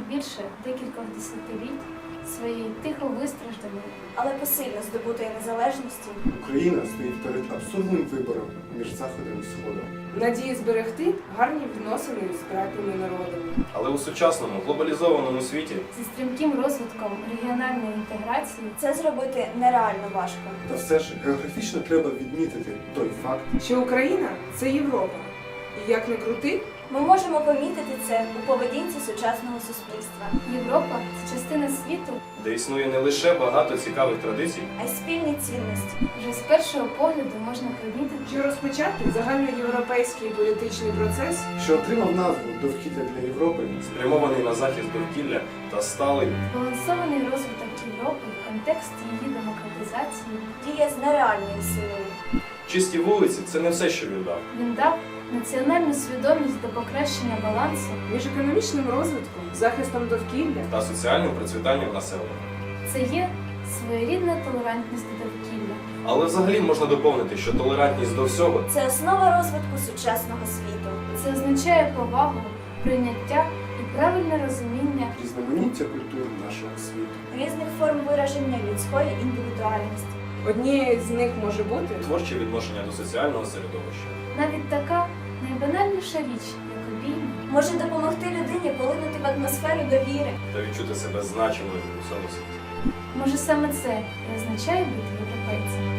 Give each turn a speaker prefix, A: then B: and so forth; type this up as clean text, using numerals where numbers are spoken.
A: більше декількох десятиліть своєї тихо вистражданої,
B: але посильно здобутої незалежності,
C: Україна стоїть перед абсурдним вибором між Заходом і Сходом.
D: Надії зберегти гарні відносини з братніми народами.
E: Але у сучасному глобалізованому світі
A: зі стрімким розвитком регіональної інтеграції,
B: це зробити нереально важко.
C: Та все ж географічно треба відмітити той факт,
D: Що Україна – це Європа. І як не крути,
B: Ми можемо помітити це у поведінці сучасного суспільства,
A: Європа це частина світу,
E: де існує не лише багато цікавих традицій,
B: а й спільні цінності.
A: вже з першого погляду можна помітити,
D: що розпочати загальноєвропейський політичний процес
C: що отримав назву «Довкілля для Європи»,
E: спрямований на захист довкілля та сталий
A: збалансований розвиток Європи в контексті її демократизації.
B: Діє з нереальною силою.
E: чисті вулиці це не все, що він дав.
A: Він дав національну свідомість до покращення балансу.
D: між економічним розвитком, захистом довкілля.
E: Та соціальним процвітанням населення.
A: Це є своєрідна толерантність до довкілля.
E: Але взагалі можна доповнити, що толерантність до всього
B: Це основа розвитку сучасного світу.
A: Це означає повагу, прийняття і правильне розуміння
C: різноманіття культур нашого світу.
B: Різних форм вираження людської індивідуальності.
D: Однією з них може бути
E: творче відношення до соціального середовища.
A: навіть така найбанальніша річ, як обійми,
B: Може допомогти людині полинути в атмосферу довіри.
E: Та відчути себе значимою у цьому світі.
A: може саме це і означає бути європейцем.